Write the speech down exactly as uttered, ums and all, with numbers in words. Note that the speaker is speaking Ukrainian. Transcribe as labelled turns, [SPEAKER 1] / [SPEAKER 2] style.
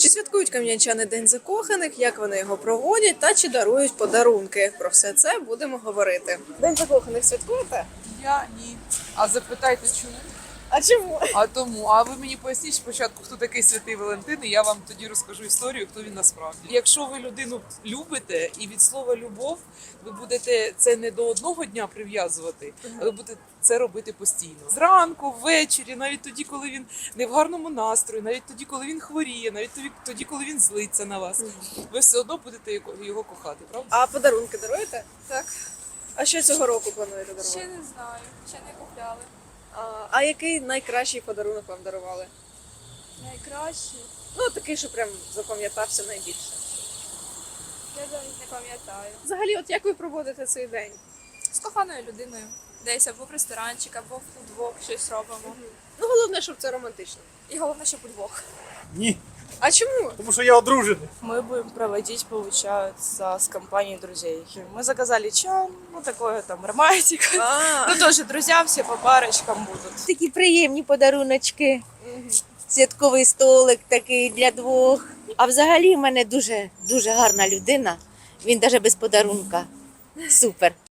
[SPEAKER 1] Чи святкують кам'янчани День закоханих, як вони його проводять та чи дарують подарунки? Про все це будемо говорити. День закоханих святкуєте?
[SPEAKER 2] Я ні. А запитайте, чому?
[SPEAKER 1] А чому?
[SPEAKER 2] А тому, а ви мені поясніть спочатку, хто такий святий Валентин, і я вам тоді розкажу історію, хто він насправді. Якщо ви людину любите і від слова любов, ви будете це не до одного дня прив'язувати, а ви будете це робити постійно. Зранку, ввечері, навіть тоді, коли він не в гарному настрої, навіть тоді, коли він хворіє, навіть тоді, тоді, коли він злиться на вас. Ви все одно будете його- його кохати, правда?
[SPEAKER 1] А подарунки даруєте?
[SPEAKER 3] Так,
[SPEAKER 1] А що цього року плануєте
[SPEAKER 3] ще
[SPEAKER 1] дарувати?
[SPEAKER 3] не знаю, ще не купляли.
[SPEAKER 1] А, а який найкращий подарунок вам дарували?
[SPEAKER 3] Найкраще.
[SPEAKER 1] Ну, такий, що прям запам'ятався найбільше.
[SPEAKER 3] Я навіть не пам'ятаю.
[SPEAKER 1] Взагалі, от як ви проводите цей день?
[SPEAKER 3] З коханою людиною. Десь або в ресторанчик, або вдвох щось робимо.
[SPEAKER 1] Ну, головне, щоб це романтично.
[SPEAKER 3] І головне, щоб удвох.
[SPEAKER 4] Ні,
[SPEAKER 1] А чому?
[SPEAKER 4] тому що я одружений.
[SPEAKER 5] Мы будем проводить, получается, с компанией друзей. Мы заказали чай, ну такое там романтика.
[SPEAKER 1] А,
[SPEAKER 5] Ну тоже друзья все по парочкам будут.
[SPEAKER 6] Такі приємні подаруночки. Святковий столик такий для двох. А взагалі в мене дуже дуже гарна людина. Він навіть без подарунка. Супер.